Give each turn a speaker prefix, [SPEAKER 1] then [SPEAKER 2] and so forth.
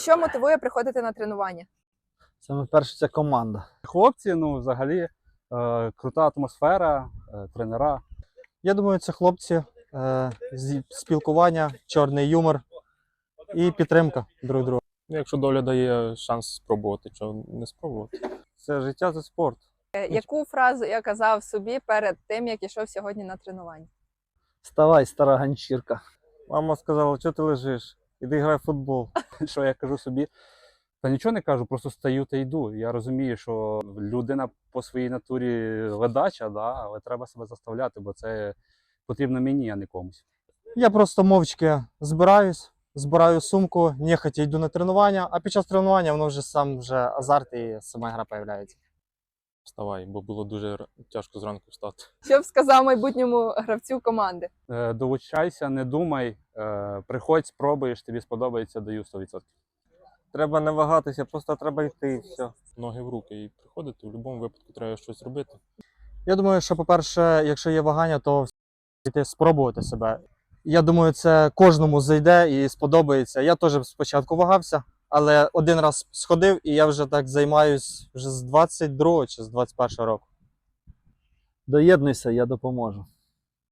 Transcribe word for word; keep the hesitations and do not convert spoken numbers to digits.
[SPEAKER 1] Що мотивує приходити на тренування?
[SPEAKER 2] Саме перше це команда.
[SPEAKER 3] Хлопці, ну взагалі е, крута атмосфера, е, тренера.
[SPEAKER 2] Я думаю, це хлопці, е, зі- спілкування, чорний юмор і підтримка друг друга.
[SPEAKER 4] Ну, якщо доля дає шанс спробувати, чого не спробувати.
[SPEAKER 3] Це життя, це спорт.
[SPEAKER 1] Е, Яку фразу я казав собі перед тим, як ішов сьогодні на тренування?
[SPEAKER 2] Вставай, стара ганчірка.
[SPEAKER 3] Мама сказала, що ти лежиш? Іди грай в футбол. Що я кажу собі? Та нічого не кажу, просто стаю та йду. Я розумію, що людина по своїй натурі ледача, да, але треба себе заставляти, бо це потрібно мені, а не комусь.
[SPEAKER 2] Я просто мовчки збираюсь, збираю сумку, нехотя йду на тренування, а під час тренування воно вже сам вже азарт і сама гра появляється.
[SPEAKER 4] Вставай, бо було дуже р- тяжко зранку встати.
[SPEAKER 1] Що б сказав майбутньому гравцю команди?
[SPEAKER 3] Е, Долучайся, не думай, е, приходь, спробуєш, тобі сподобається, даю сто відсотків. Треба не вагатися, просто треба йти і все.
[SPEAKER 4] Ноги в руки і приходити, в будь-якому випадку треба щось робити.
[SPEAKER 2] Я думаю, що, по-перше, якщо є вагання, то йти спробувати себе. Я думаю, це кожному зайде і сподобається. Я теж спочатку вагався, але один раз сходив, і я вже так займаюсь вже з двадцять другого чи з двадцять першого року.
[SPEAKER 5] Доєднуйся, я допоможу.